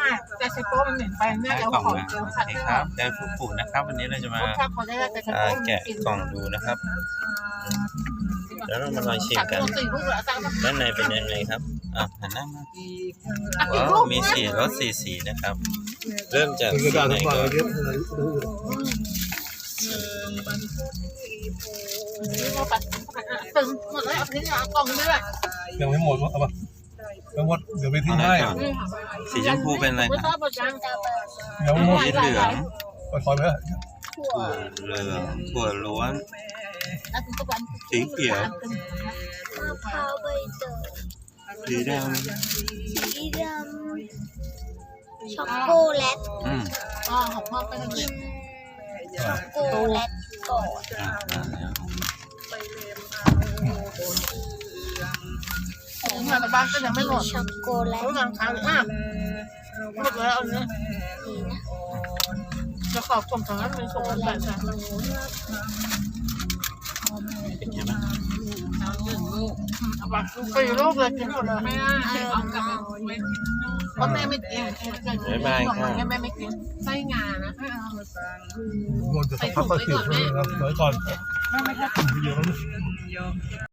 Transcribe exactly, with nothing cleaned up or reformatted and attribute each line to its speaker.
Speaker 1: แต่ใช้โป๊มันเหม็นไปน่าจะ
Speaker 2: กล่อง
Speaker 1: ขอ
Speaker 2: นะ
Speaker 1: เกลือ
Speaker 2: โอ
Speaker 1: ขัด
Speaker 2: เค
Speaker 1: ให้
Speaker 2: ค
Speaker 1: ห
Speaker 2: รั
Speaker 1: อบ ม
Speaker 2: ได้ฟูฟูนะครับวันนี้เราจะมา
Speaker 1: ถ้าพอได้แต่ใช้
Speaker 2: อ่า
Speaker 1: โป๊
Speaker 2: แกะกล่องดูนะครับแล้วเรามาลองชิมกัน
Speaker 1: สี่ลูกแล้วตั้ง
Speaker 2: ด้านในเป็นยังไงครับอ่ะหันหน้ามา
Speaker 1: อีก
Speaker 2: ว้า
Speaker 1: ลู
Speaker 2: ว
Speaker 1: ก
Speaker 2: มีสีรสสีสีนะครับ เริ่มจาก
Speaker 3: เป็นก
Speaker 2: สี
Speaker 3: ระดาษ
Speaker 2: ไหน
Speaker 3: ฝา
Speaker 2: ก่อน
Speaker 3: เยอะเลย
Speaker 1: ตึงหมดแล้วเอาทิ้งอ่ะกล่องนี้แหละ
Speaker 3: ยังไม่หมดวะเอาปะยังหมดเดี๋ยวไปทิ้งให้
Speaker 2: สีชมพูเป็นอะไร
Speaker 1: ไม่
Speaker 2: ค
Speaker 1: ชอ
Speaker 2: รั
Speaker 1: บบ หมดยัง
Speaker 3: ยังไม่หมด
Speaker 2: สีเหลือง
Speaker 3: ปล่อยคอยไป
Speaker 2: ถั่วเหลืองถั่วล้วน สีเขียว
Speaker 4: มะพร้าวใบเตย
Speaker 2: สีแดง
Speaker 4: สีดำช็อกโกแลต
Speaker 2: อืม
Speaker 1: อ๋อของพ่อเป็น
Speaker 4: กินช็อกโกแลตก่อน
Speaker 2: อ่ะอ่ะ
Speaker 1: ของงานบ้านก็ยังไม่หมด
Speaker 4: ช็อกโกแลต
Speaker 1: รู้ยังค้างอ่ะหมดแล้วอันนี้
Speaker 4: นี่นะ
Speaker 1: จะขอบส่งทางนั้นเป็นส่งกันแบบนั้น
Speaker 2: เป็นยังไงบ้าง
Speaker 1: เอาไปสี่ลูกเลยกินหมดเลยไม่ได้เอากลับไปเพราะแม่ไม่กินแม่ไม่กินไส้งานะ
Speaker 3: หมดจะต้องค่อยๆสืบนะครับไว้ก่อน
Speaker 1: แม่ไม่ชอบ
Speaker 3: เยอะ